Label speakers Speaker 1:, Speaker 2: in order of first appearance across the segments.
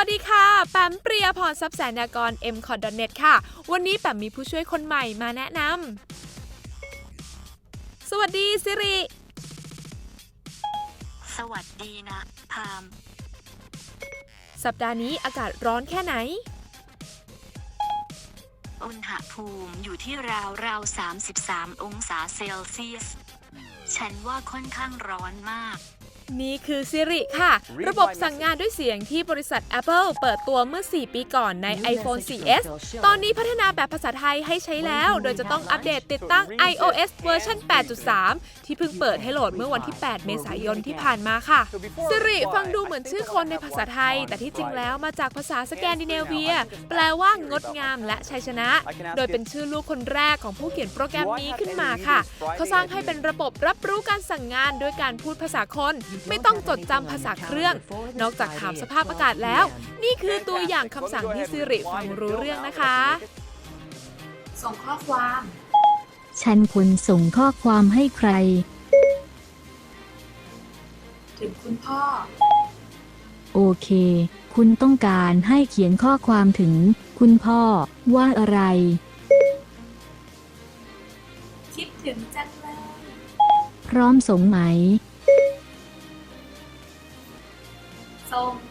Speaker 1: วัสดีค่ะแปมเปรียพรทรัพย์แสนยากร mcot.net ค่ะวันนี้แปมมีผู้ช่วยคนใหม่มาแนะนำสวัสดีสิริ
Speaker 2: สวัสดีนะพาม
Speaker 1: สัปดาห์นี้อากาศร้อนแค่ไหน
Speaker 2: อุณหภูมิอยู่ที่ราว33 องศาเซลเซียสฉันว่าค่อนข้างร้อนมาก
Speaker 1: นี่คือสิริค่ะระบบสั่งงานด้วยเสียงที่บริษัท Apple เปิดตัวเมื่อ 4 ปีก่อนใน iPhone 4S ตอนนี้พัฒนาแบบภาษาไทยให้ใช้แล้วโดยจะต้องอัปเดตติดตั้ง iOS เวอร์ชัน 8.3 ที่เพิ่งเปิดให้โหลดเมื่อวันที่ 8 เมษายนที่ผ่านมาค่ะสิริฟังดูเหมือนชื่อคนในภาษาไทยแต่ที่จริงแล้วมาจากภาษาสแกนดิเนเวียแปลว่างดงามและชัยชนะโดยเป็นชื่อลูกคนแรกของผู้เขียนโปรแกรมนี้ขึ้นมาค่ะเขาสร้างให้เป็นระบบรับรู้การสั่งงานด้วยการพูดภาษาคนไม่ต้องจดจำภาษาเครื่องนอกจากถามสภาพอากาศแล้วนี่คือตัวอย่างคำสั่งที่สิริฟังรู้เรื่องนะคะส่งข้อความ
Speaker 3: ฉันควรส่งข้อความให้ใคร
Speaker 1: ถึงคุณพ่อ
Speaker 3: โอเคคุณต้องการให้เขียนข้อความถึงคุณพ่อว่าอะไร
Speaker 1: คิดถึงจังเลย
Speaker 3: พร้อมส่งไหม
Speaker 1: ส่ง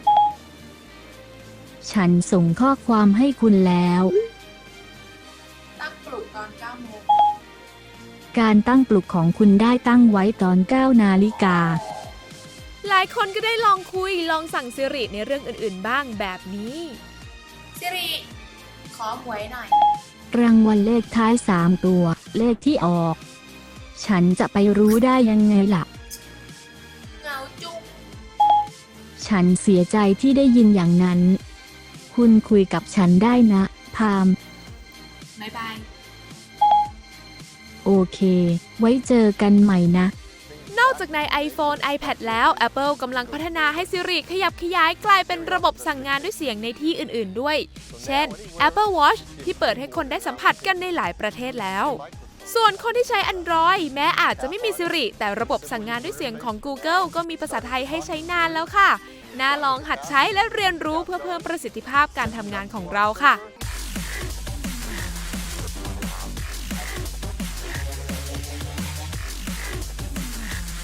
Speaker 3: ฉันส่งข้อความให้คุณแล้ว
Speaker 1: ตั้งปลุกตอน 9 โมง
Speaker 3: การตั้งปลุกของคุณได้ตั้งไว้ตอน 9 นาฬิกา
Speaker 1: หลายคนก็ได้ลองคุยลองสั่งสิริในเรื่องอื่นๆบ้างแบบนี้สิริขอหวยหน่อย
Speaker 3: รางวัลเลขท้าย3 ตัวเลขที่ออกฉันจะไปรู้ได้ยังไงล่ะ
Speaker 1: เหงาจุง
Speaker 3: ฉันเสียใจที่ได้ยินอย่างนั้นคุณคุยกับฉันได้นะพาม
Speaker 1: บ๊ายบาย
Speaker 3: โอเคไว้เจอกันใหม่นะ
Speaker 1: นอกจากใน iPhone iPad แล้ว Apple กำลังพัฒนาให้ Siri ขยับขยายกลายเป็นระบบสั่งงานด้วยเสียงในที่อื่นๆด้วยเช่น Apple Watch ที่เปิดให้คนได้สัมผัสกันในหลายประเทศแล้วส่วนคนที่ใช้ Android แม้อาจจะไม่มี Siri แต่ระบบสั่งงานด้วยเสียงของ Google ก็มีภาษาไทยให้ใช้นานแล้วค่ะน่าลองหัดใช้และเรียนรู้เพื่อเพิ่มประสิทธิภาพการทำงานของเราค่ะ